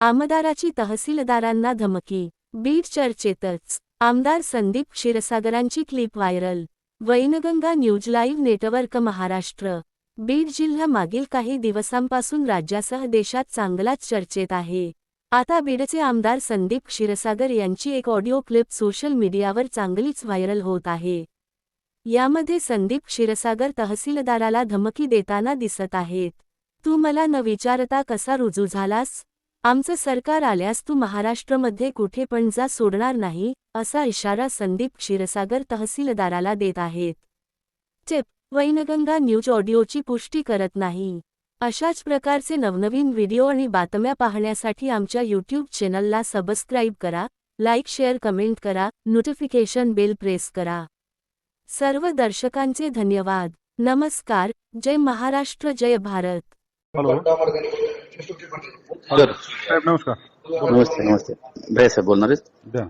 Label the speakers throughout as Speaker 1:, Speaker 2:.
Speaker 1: आमदाराची तहसीलदारांना धमकी. बीड चर्चेतच. आमदार संदीप क्षीरसागरांची clip viral. Wainganga news live network Maharashtra. Beed जिल्हा मागील काही दिवसांपासून राज्यासह देशात चांगलाच चर्चेत आहे. आता बीडचे आमदार संदीप क्षीरसागर यांची एक ऑडिओ क्लिप सोशल मीडियावर चांगलीच व्हायरल होत आहे. यामध्ये संदीप क्षीरसागर तहसीलदाराला धमकी देताना दिसत आहेत. तू मला न विचारता कसा रुजू झालास? आमचं सरकार आल्यास तू महाराष्ट्रामध्ये कुठे पण जा सोडणार नाही, असा इशारा संदीप क्षीरसागर तहसीलदाराला देत आहेत. टिप: वैनगंगा न्यूज ऑडिओची पुष्टी करत नाही. अशाच प्रकारचे नवनवीन व्हिडिओ आणि बातम्या पाहण्यासाठी आमच्या यूट्यूब चॅनलला सबस्क्राईब करा, लाईक शेअर कमेंट करा, नोटिफिकेशन बेल प्रेस करा. सर्व दर्शकांचे धन्यवाद. नमस्कार. जय महाराष्ट्र, जय भारत.
Speaker 2: हॅलो
Speaker 3: सर
Speaker 2: साहेब, नमस्कार.
Speaker 3: नमस्ते नमस्ते भैया साहेब बोलणार आहेत.
Speaker 2: द्या.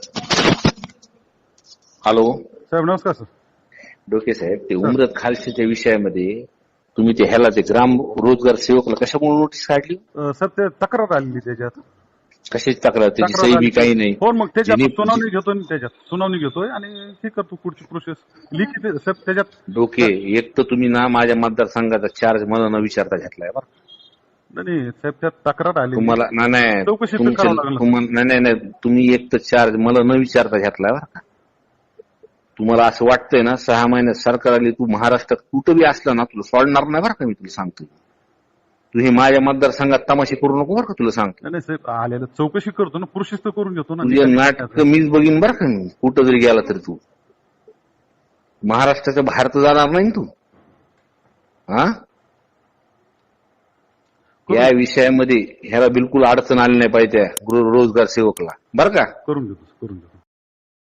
Speaker 3: हॅलो
Speaker 2: साहेब नमस्कार सर.
Speaker 3: डोके साहेब, ते उमरत खालशीच्या विषयामध्ये तुम्ही ते ह्याला ते ग्राम रोजगार सेवकला कशामुळे नोटीस काढली?
Speaker 2: सर ते तक्रार आलेली त्याच्यात.
Speaker 3: कशाची तक्रार? त्याची सही बी काही नाही.
Speaker 2: हो, मग त्याच्यात
Speaker 3: ज्यांनी-
Speaker 2: सुनावणी घेतोय, त्याच्यात सुनावणी घेतोय आणि हे करतो पुढची प्रोसेस लिखित. साहेब त्याच्यात
Speaker 3: डोके, एक तर तुम्ही ना माझ्या मतदारसंघाचा चार्ज मला न विचारता घेतलाय बरं.
Speaker 2: नाही साहेब, त्यात तक्रार आली.
Speaker 3: तुम्हाला नाही
Speaker 2: चौकशी तर करावं लागलं.
Speaker 3: नाही तुम्ही एक तर चार्ज मला न विचारता घेतलाय बरं का. तुम्हाला असं वाटतंय ना 6 महिन्यात सरकार आली, तू महाराष्ट्रात कुठं बी असला ना तुला सोडणार नाही बरं का. मी तुला सांगतो, तू हे माझ्या मतदारसंघात तमाशे करू नको बरं का. तुला सांगतो,
Speaker 2: नाही साहेब, आलेलं चौकशी करतो ना, प्रोसेस तर करून घेतो ना.
Speaker 3: तुझे नाटक मीच बघीन बरं का. मी कुठं जरी गेला तरी तू महाराष्ट्राच्या बाहेर तर जाणार नाही तू. हा, या विषयामध्ये ह्याला बिलकुल अडचण आली नाही पाहिजे रोजगार सेवकला बरं का.
Speaker 2: करून घेतो.